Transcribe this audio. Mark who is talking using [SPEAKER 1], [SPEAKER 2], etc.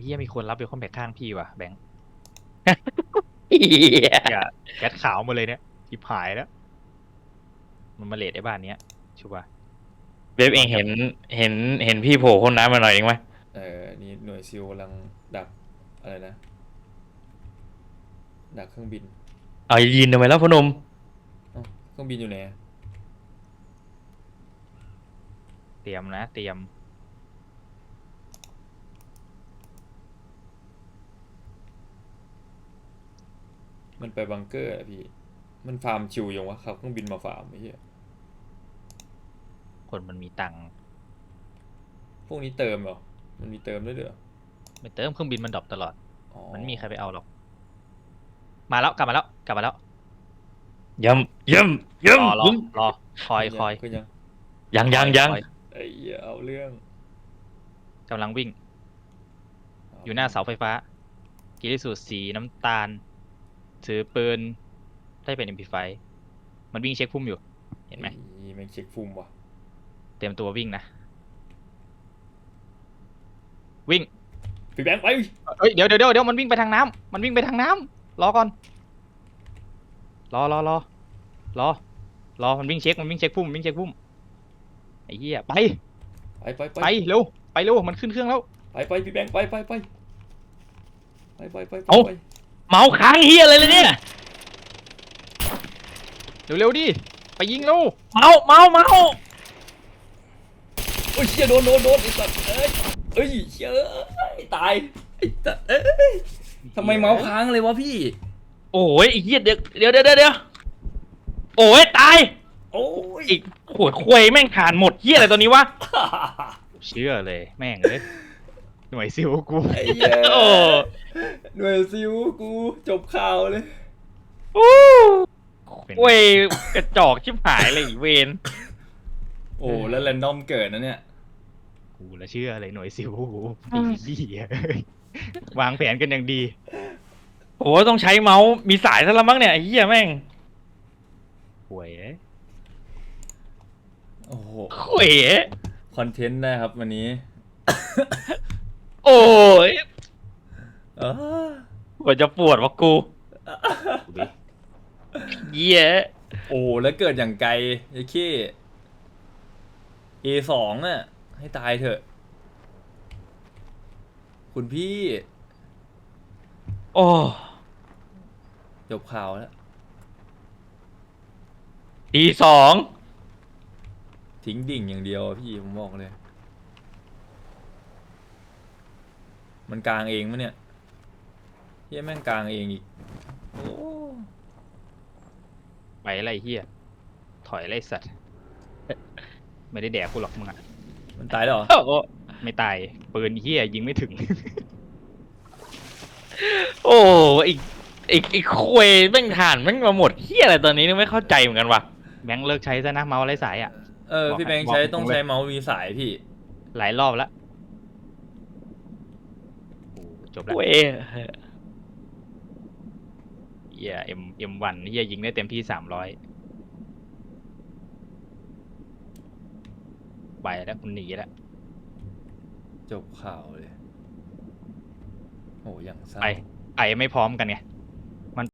[SPEAKER 1] ฮียมีคนรับเบลคอนแบกข้างพี่ว่ะแบงค์
[SPEAKER 2] เหี้ย
[SPEAKER 1] อย่าแก๊สขาวมาเลยเนี่ยทิพหายแล้วมันมาเลทไอ้บ้านเนี้ยชัวร์
[SPEAKER 2] เว็บเองเห็นพี่โผล่พ้นน้ำมาหน่อยเองไหม
[SPEAKER 3] นี่หน่วยซิลกำลังดักอะไรนะดักเครื่องบิน
[SPEAKER 2] เอายินทำไมแล้วพอหนม
[SPEAKER 3] เอ้าเครื่องบินอยู่ไหน
[SPEAKER 1] เตรียมนะเตรียม
[SPEAKER 3] มันไปบังเกอร์อะพี่มันฟาร์มชิวยังวะครับเครื่องบินมาฟาร์มไอ้เหี้ย
[SPEAKER 1] คนมันมีตังค์
[SPEAKER 3] พวกนี้เติมเหรอมันมีเติมด้วยเหรอ
[SPEAKER 1] ไม่เติมเครื่องบินมันดรอปตลอด
[SPEAKER 3] อ๋อ
[SPEAKER 1] มันไม่มีใครไปเอาหรอกมาแล้วกลับมาแล้วกลับมาแล้ว
[SPEAKER 2] ย้ำย้ำย้
[SPEAKER 1] รอ
[SPEAKER 2] ำ
[SPEAKER 1] รอคอย
[SPEAKER 3] ก็ยัง
[SPEAKER 2] ยัง
[SPEAKER 1] คอย
[SPEAKER 3] ไอ้เหี้ยเอาเรื่อง
[SPEAKER 1] กำลังวิ่ง อยู่หน้าเสาไฟฟ้ากีริสูตรสีน้ำตาล ถือปืนได้เป็น MP5 มันวิ่งเช็คพุ่มอยู่ เห็นไหม
[SPEAKER 3] แม่งเช็คฟุ่มว่ะ
[SPEAKER 1] เตรียมตัววิ่งนะ วิ่ง
[SPEAKER 3] พี่แบงค์ไป
[SPEAKER 1] เฮ้ยเดี๋ยวมันวิ่งไปทางน้ำมันวิ่งไปทางน้ำรอก่อน รอมันวิ่งเช็คพุ่มไอ้เหี้ยไป
[SPEAKER 3] ไป
[SPEAKER 1] เร็วมันขึ้นเครื่องแล้ว
[SPEAKER 3] ไปพี่แบงค์ไป
[SPEAKER 2] เมาส์ค้างเฮียอะไรเลยเนี่ย
[SPEAKER 1] เร็วดิไปยิงเร็ว
[SPEAKER 2] เมาส์
[SPEAKER 3] โอ้ยเชี่ยโดนไอ้สัตว์เอ้ยเชี่ยตายไอ้สัตว์ทำไมเมาส์ค้างเลยวะพี่
[SPEAKER 2] โอ้ยไอ้เหี้ยเดี๋ยวโอ้ยตาย
[SPEAKER 3] โอ้ย
[SPEAKER 2] อีกขวดควยแม่งขาดหมดเหี้ยอะไรตัวนี้วะ
[SPEAKER 1] เชื่อเลยแม่งเลยหน่วยซิลกู
[SPEAKER 3] ไอ้เหี้ย
[SPEAKER 2] โอ้
[SPEAKER 3] หน่วยซิวกูจบข่าวเลย
[SPEAKER 2] ควยกระจอกชิบหายเลยอีเวน
[SPEAKER 3] โอ้แล้วแรนดอมเกิดนะเนี่ย
[SPEAKER 1] กูละเชื่อเลยหน่วยซิลกูดีวางแผนกันอย่างดี
[SPEAKER 2] โอ้ต้องใช้เมาส์มีสายซะแล้วมั้งเนี่ยไอ้เหี้ยแม่ง
[SPEAKER 1] ห่วย
[SPEAKER 3] โอ้โห
[SPEAKER 2] ควย
[SPEAKER 3] คอนเทนต์นะครับวันนี้
[SPEAKER 2] โอ้ย
[SPEAKER 3] เออก
[SPEAKER 2] ว่าจะปวดวะกู
[SPEAKER 1] กูดิ
[SPEAKER 2] เหี้ย
[SPEAKER 3] โอ้แล้วเกิดอย่างไกลไอ้ขี้ A2 อ่ะให้ตายเถอะ คุณพี่
[SPEAKER 2] โอ้
[SPEAKER 3] จบข่าวแล้ว
[SPEAKER 2] ทีสอง
[SPEAKER 3] ทิ้งดิ่งอย่างเดียวอะพี่ผมบอกเลย มันกลางเองมั้ยเนี่ยเฮียแม่งกลางเองอีกโอ้
[SPEAKER 1] ไปอะไรเฮียถอยไรสัตว์ไม่ได้แดกกูหรอกมึงอะ
[SPEAKER 3] มันตายแล้วเหรอ
[SPEAKER 2] โอ้
[SPEAKER 1] ไม่ตายปืนเฮียยิงไม่ถึง
[SPEAKER 2] โอ้อีกควยแม่งฐานแม่งมาหมดเหี้ยอะไรตอนนี้นึกไม่เข้าใจเหมือนกันว่ะ
[SPEAKER 1] แบงค์เลิกใช้ซะนะเมาส์ไร้สายอ่ะ
[SPEAKER 3] พี่แบงค์
[SPEAKER 1] บอก
[SPEAKER 3] ใช้
[SPEAKER 1] ให้
[SPEAKER 3] ต้อง
[SPEAKER 1] บอกเลย
[SPEAKER 3] ใช้เมาส์มีสายพี่
[SPEAKER 1] หลายรอบแล้วโอ้จบแล้ว
[SPEAKER 2] เว้ย
[SPEAKER 1] เฮียM1เฮียยิงได้เต็มที่300ไปแล้วคุณหนีแล้ว
[SPEAKER 3] จบข่าวเลยโอ้ยังเศร้า
[SPEAKER 1] ไปไม่พร้อมกันไง